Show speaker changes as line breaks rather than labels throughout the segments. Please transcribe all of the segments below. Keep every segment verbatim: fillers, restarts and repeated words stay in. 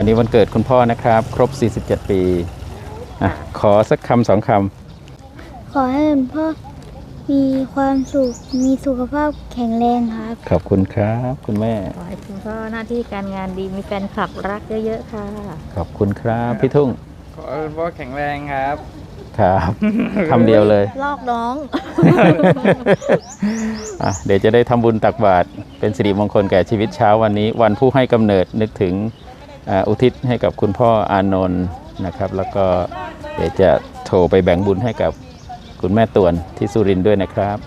วันนี้วันเกิดคุณพ่อนะครับครบสี่สิบเจ็ดปีอ่ะขอสักคำสองค
ขอให้คุณพ่อมีความสุขมีสุขภาพแข็งแรงครับ
ำขอบคุณครับคุณแม่
ขอให้คุณพ่อหน้าที่การงานดีมีแฟนคลับรักเยอะๆค่ะ
ขอบคุณครับพี่ทุ่ง
ขอให้คุณพ่อแข็งแรงครับ
ครับคำเดียวเลย
ลอกน้อง
อ่ะเดี๋ยวจะได้ทำบุญตักบาตรเป็นสิริมงคลแก่ชีวิตเช้าวันนี้วันผู้ให้กำเนิดนึกถึงอุทิศให้กับคุณพ่ออานนท์นะครับแล้วก็เดี๋ยวจะโทรไปแบ่งบุญให้กับคุณแม่ตวนที่สุรินทร์ด้วยนะครับ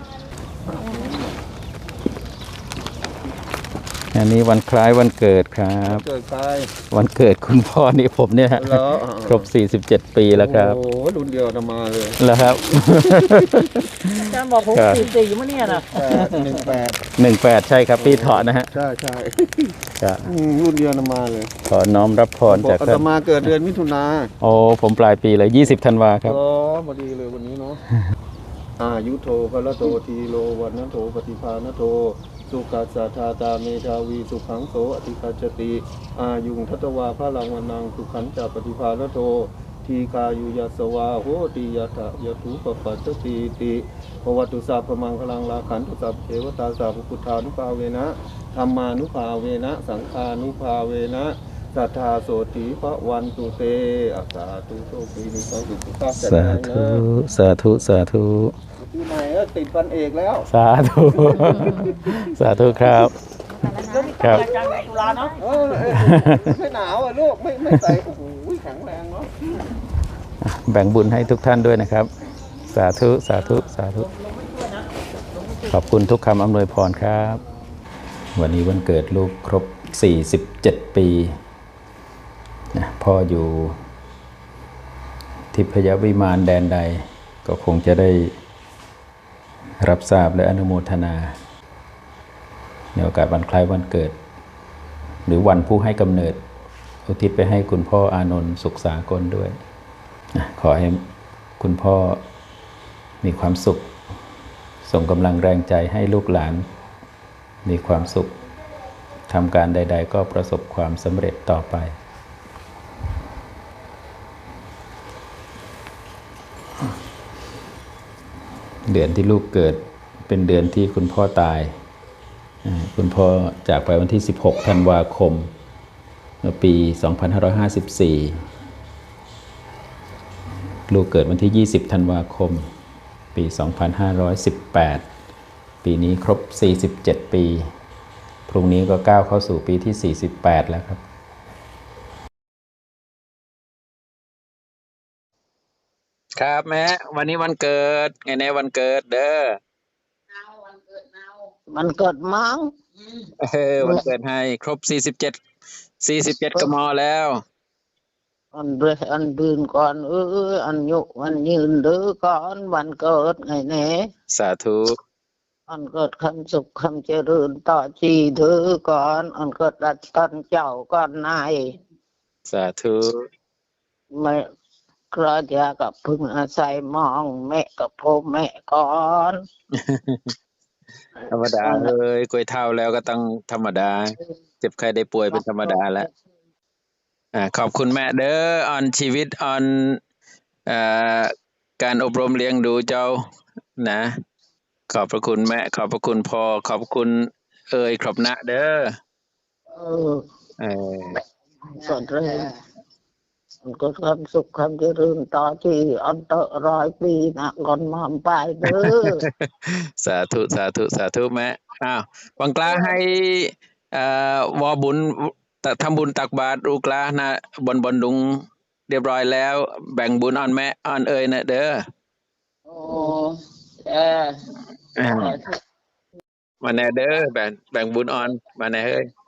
อันนี้วันคล้ายวันเกิดครับ
เกิดใคร
วันเกิดคุณพ่อนี่ผมเนี่ยครบสี่สิบเจ็ดปีแล้วครับ
โอ้รุ่นเดียวจะมาเลย
แล้วครับ
อาจารย์บอกผมสี่สี่มั้งเนี่ยนะ
หนึ่งแปด
หนึ่งแปดใช่ครับปีเถาะนะฮะ
ใช่ใช่รุ่นเดียวจะมาเลย
ขอน้อมรับพรจาก
ท่านมาเกิดเดือนมิถุนา
โอ้ผมปลายปีเลยยี่สิบธันวาครับ
อ๋อพอดีเลยวันนี้เนาะอายุโทพละโตทีโลวันนโทปฏิภาณโทสุขัสสะทาตาเมธาวีสุขังโสอธิคาจติอายุงทัตวาพระลังวันังสุขันจะปฏิภาณโททีกายุยัสวาโหติยะถะยะทุปปัสสติติภวัตุสาพมังคลังลาขันตุสัพเทวตาสาภพุทธานุภาเวนะธรรมานุภาเวนะสังฆานุภาเวนะสัทธาโสติพระวันตุเตอัสสาธุโชคดีมีความสุขสุขภาพแข็งแรงนะ
สาธุสาธุ
ที่ไหนก็ติดพันเอกแล้ว
สาธุสาธุครับ
ครับตุลาเนาะไม่หนาวอ่ะลูกไม่ไม่ใส่โอ้โหแข็งแรงเนาะ
แบ่งบุญให้ทุกท่านด้วยนะครับสาธุสาธุสาธุขอบคุณทุกคำอำนวยพรครับวันนี้วันเกิดลูกครบสี่สิบเจ็ดปีนะพ่ออยู่ทิพยวิมานแดนใดก็คงจะได้รับทราบและอนุโมทนาในโอกาสวันคล้ายวันเกิดหรือวันผู้ให้กำเนิดอุทิศไปให้คุณพ่ออานนท์สุขสากลด้วยขอให้คุณพ่อมีความสุขส่งกำลังแรงใจให้ลูกหลานมีความสุขทำการใดๆก็ประสบความสำเร็จต่อไปเดือนที่ลูกเกิดเป็นเดือนที่คุณพ่อตายคุณพ่อจากไปวันที่สิบหกธันวาคมเมื่อปีสองพันห้าร้อยห้าสิบสี่ลูกเกิดวันที่ยี่สิบธันวาคมปีสองพันห้าร้อยสิบแปดปีนี้ครบสี่สิบเจ็ดปีพรุ่งนี้ก็ก้าวเข้าสู่ปีที่สี่สิบแปดแล้วครับครับแม่วันนี้วันเกิดไงในวันเกิดเด้อ
มันเกิดมั้ง
เออวันเกิดให้ครบสี่สิบเจ็ดสี่สิบเจ็ดกมแล้ว
อันเดือนอันเดือนก่อนเอออันยุวันยืนเดือก่อนวันเกิดไงเน่
สาธุ
อันเกิดคำสุขคำเจริญต่อจีเดือก่อนอันเกิดรัชกาลเจ้าก่อนนาย
สาธุ
ไม่กระยากับพึ่งอาศัยมองแม่กับพ่อแม่ก่อน
ธรรมดาเลยกล้วยเท่าแล้วก็ต้องธรรมดาเจ็บใครได้ป่วยเป็นธรรมดาแล้วอ่าขอบคุณแม่เด้อออนชีวิตออนอ่าการอบรมเลี้ยงดูเจ้านะขอบพระคุณแม่ขอบพระคุณพ่อขอบคุณเอ่ยครบนะเด้อ
เออ
เออ
สอนเรื่องก็ความสุขความเจริญต่อที่อันตร้อยปีนะก่อนมาไปเด้อ
สาธุสาธุสาธุแม่อ้าววังกลาให้อ่าวอบุญทำบุญตักบาตรลูกหลานนะบนบนดุงเรียบร้อยแล้วแบ่งบุญอ่อนแม่อ่อนเอ่ยนะเด้อ
โอ้เออ
มาแน่เด้อแบ่งแบ่งบุญอ่อนมาแน่เฮ้ย